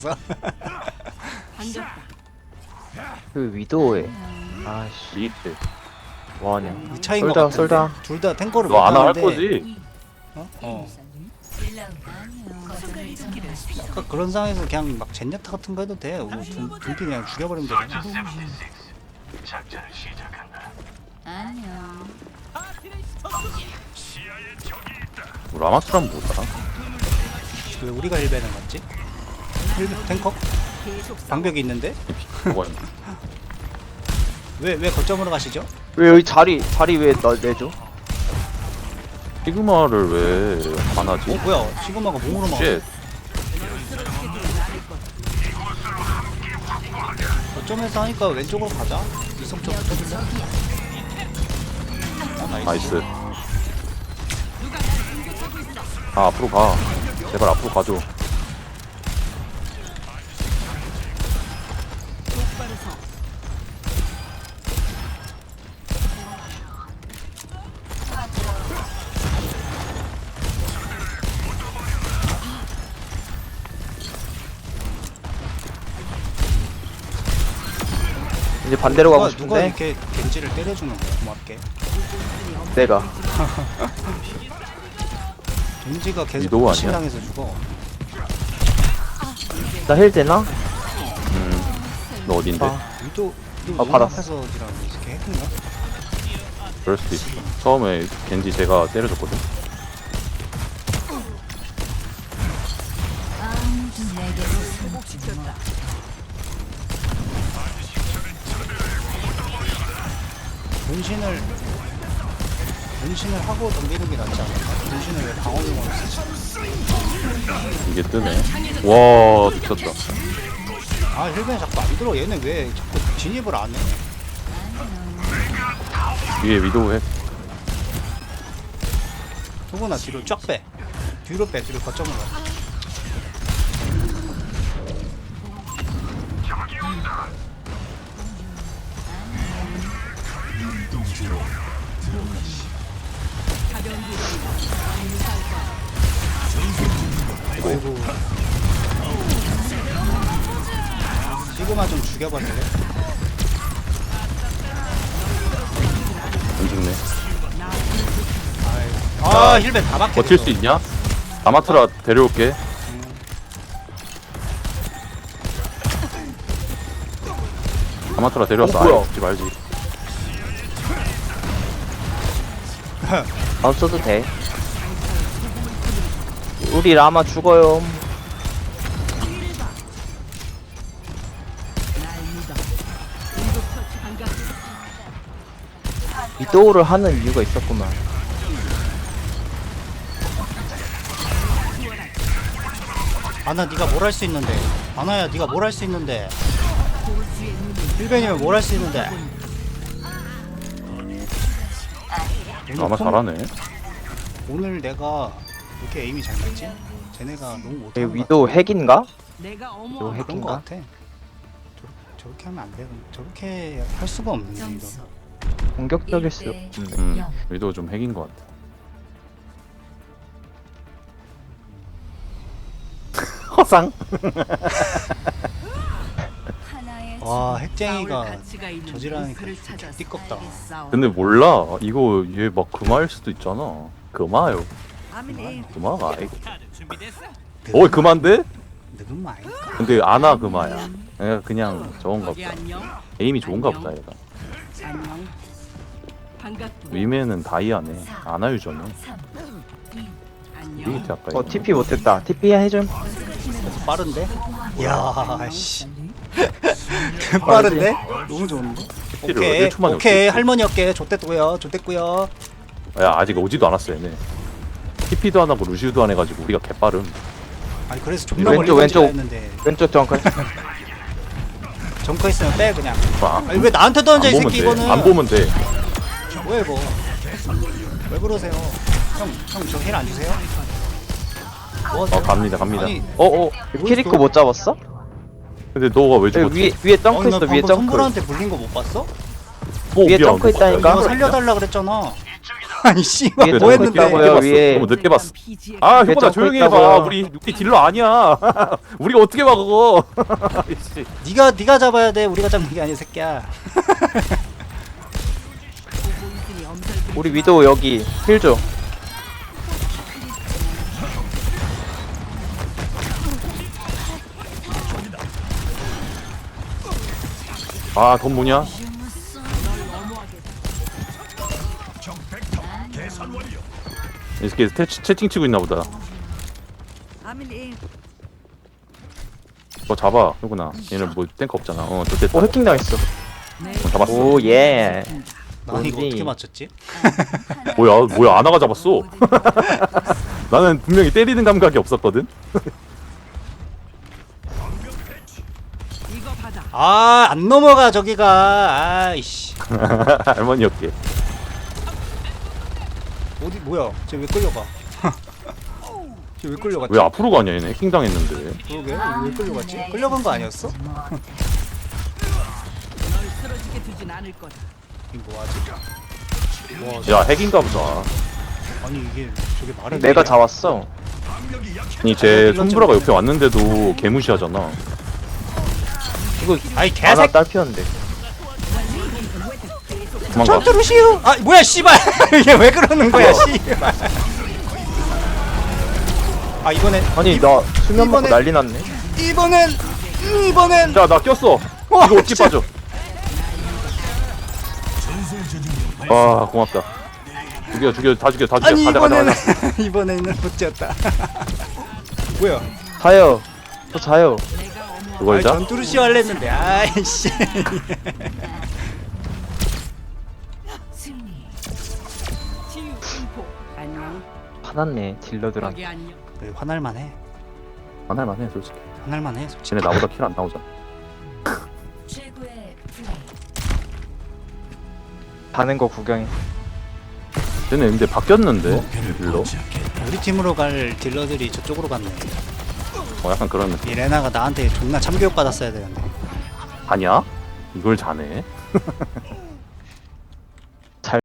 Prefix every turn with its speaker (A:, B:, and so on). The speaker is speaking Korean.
A: 그 위도에 아씨
B: 리트.
A: 뭐하냐
C: 이 차이인 것
A: 쏠다
C: 같은데.
A: 쏠다
C: 둘 다 탱커를
B: 너 아나 할
C: 못하는데
B: 거지?
C: 어? 아까 그런 상황에서 그냥 막 젠야타 같은 거 해도 돼. 둠피 그냥 죽여버리면 되잖아.
D: 안녕.
B: 라마스란 뭐더라?
C: 왜 우리가 1배는 갔지? 1배 탱커? 방벽이 있는데?
B: 뭐가
C: 왜 거점으로 가시죠?
A: 왜 여기 자리 왜 내줘?
B: 시그마를 왜 안 하지?
C: 뭐야 시그마가 몸으로 막
B: 쉣.
C: 거점에서 하니까 왼쪽으로 가자. 이성 쪽 붙어줄래?
B: 나이스. 아, 앞으로 가. 제발 앞으로 가줘.
A: 이제 반대로 가고
C: 누가
A: 싶은데
C: 이렇게 겐지를 때려주는 거야 고맙게.
A: 내가
C: 겐지가 계속
B: 위도우 아니야?
C: 신당해서 죽어.
A: 나 힐 되나?
B: 너 어딘데?
C: 위도
A: 받았어.
C: 앞에서 지라고 이렇게 했나?
B: 그럴 수도 있어. 처음에 겐지 제가 때려줬거든.
D: 아무도 내게로 승복시켰다.
C: 분신을 하고 덤비는 게 낫지 않을까? 분신을 왜 방어용으로 쓰지?
B: 이게 뜨네. 와, 미쳤다.
C: 아 힐벤 자꾸 안 들어. 얘네 왜 자꾸 진입을 안 해?
B: 위에 위도우 해.
C: 소구나 뒤로 쫙 빼. 뒤로 거점으로 가. 아이고. 시그마 좀 죽여버릴래?
B: 안 죽네.
C: 아 힐벤 다 박혀.
B: 버틸 수 있냐? 아마트라 데려올게. 아마트라 데려왔어.
A: 뭐야?
B: 아예 죽지 말지.
A: 안 써도 돼 우리 라마 죽어요 위도우를 하는 이유가 있었구만
C: 아나 네가 뭘 할 수 있는데. 아나야 네가 뭘 할 수 있는데. 힐벤이면 뭘 할 수 있는데.
B: 아마 잘하네.
C: 오늘 내가 이렇게 에임이 잘 맞지? 쟤네가 너무
A: 얘
C: 못하는 것
A: 위도우 핵인가?
D: 내가
A: 위도우
D: 어머
C: 그런 것
A: 핵인가?
C: 같아. 저렇게 하면 안 돼. 저렇게 할 수가 없는데 이거.
D: 점수
A: 공격적일 수
B: 위도우 좀 핵인 것 같아.
A: 허상
D: 하나의
C: 와
D: 줄.
C: 핵쟁이가 저지라니까 띠껍다.
B: 근데 몰라. 이거 얘 막 금화일 수도 있잖아. 금화요. 금화가 아니고. 어, 금화인데?
C: 늙은 말 아닐까?
B: 근데 아나 금화야. 그냥 저건가 보다. 에임이 좋은가 보다 얘가.
D: 안녕. 반갑고.
B: 위메는 다이아네. 아나 유저네.
D: 안녕.
B: 이게 아까 이거.
A: TP 못했다 TP 해줌
C: 빠른데? 이야 씨. 빠른데? 너무 좋은데?
B: TP를
C: 오케이
B: 1초 만에
C: 오케이
B: 어떻게
C: 할머니 어깨 좆됐고요 좆됐고요.
B: 야, 아직 오지도 않았어 얘네. TP도 안 하고 루시우도 안 해가지고 우리가 개빠름.
C: 아니 그래서 존나
A: 왼쪽,
C: 멀리 던지려
A: 왼쪽.
C: 했는데
A: 왼쪽 정글
C: 정커 있으면 빼 그냥.
B: 아,
C: 아니 왜 나한테 던져 이
B: 안 보면
C: 새끼
B: 돼.
C: 이거는.
B: 안 보면 돼.
C: 뭐야 이거. 왜 그러세요? 형 저 힐 안 주세요? 뭐 하세요?
B: 갑니다.
C: 아니,
A: 키리코 못 잡았어?
B: 근데 너가 왜
A: 여기
B: 죽었지?
A: 위에 점크
C: 나
A: 있어 위에
C: 방금
A: 점크
C: 선물한테 불린 거 못 봤어?
A: 위에
B: 미안.
A: 점크 있다니까?
C: 이거 살려달라 그랬잖아. 아니 씨발
A: 위에
C: 뭐
A: 점프
C: 했는데?
A: 있다고요, 위에.
B: 너무 늦게 봤어. 아
A: 위에
B: 효보다
A: 점프
B: 조용히
A: 있다고요.
B: 해봐. 우리 딜러 아니야. 우리가 어떻게 막어? 씨.
C: 네가 잡아야 돼. 우리가 잡는 게 아니야 새끼야.
A: 우리 위도 여기 힐 줘.
B: 아돈 뭐냐? 이 새끼 채팅 치고 있나 보다. 잡아 효구나. 얘는 뭐 탱크 없잖아. 또 됐다.
A: 오 해킹 당했어.
B: 잡았어.
A: 오 예.
C: 나 이거
A: 뭐지?
C: 어떻게 맞췄지?
B: 뭐야 아나가 잡았어. 나는 분명히 때리는 감각이 없었거든.
C: 아 안 넘어가 저기가. 아이씨.
B: 할머니 어깨.
C: 어디 뭐야? 쟤 왜 끌려가? 쟤 왜 끌려갔지?
B: 왜 앞으로 가냐 얘네 해킹 당했는데.
C: 그러게 왜 끌려갔지? 끌려간 거 아니었어? 이거 뭐하지?
B: 야 핵인가 보다.
C: 아니 이게 저게 말이
A: 내가
C: 돼?
A: 잡았어.
B: 아니 쟤 손브라가 옆에 왔는데도 개무시하잖아.
A: 이거
C: 아이
A: 하나
C: 개색.
A: 딸 피웠는데.
B: 도망가.
C: 전투루시우. 아 뭐야 씨발. 이게 왜 그러는 거야 씨발. 아 이번엔
A: 아니 나 수면 먹고
C: 이번에-
A: 난리 났네.
C: 이번엔
B: 야 나 꼈어.
C: 와,
B: 이거 어떻게
C: 진짜.
B: 빠져? 아 고맙다. 죽여 다 죽여
C: 아니
B: 가자
C: 이번에는 이번에는 못 지었다. 뭐야?
A: 자요. 또 자요.
B: 그걸
C: 아이,
B: 자?
C: 전투루시우 할래 했는데 아이씨.
D: 승리. 치유 공포. 안녕.
A: 화났네 딜러들한테.
D: 안녕.
C: 화날만해.
B: 안할만해 솔직히.
C: 화날만해 솔직히.
B: 쟤네 나보다 킬 안 나오잖아.
D: 최고의 플레이.
A: 가는 거 구경해.
B: 쟤네 근데 바뀌었는데 딜러.
C: 우리 팀으로 갈 딜러들이 저쪽으로 갔네.
B: 약간 그런 느낌.
C: 이 레나가 나한테 존나 참교육 받았어야 되는데.
B: 아니야? 이걸 자네?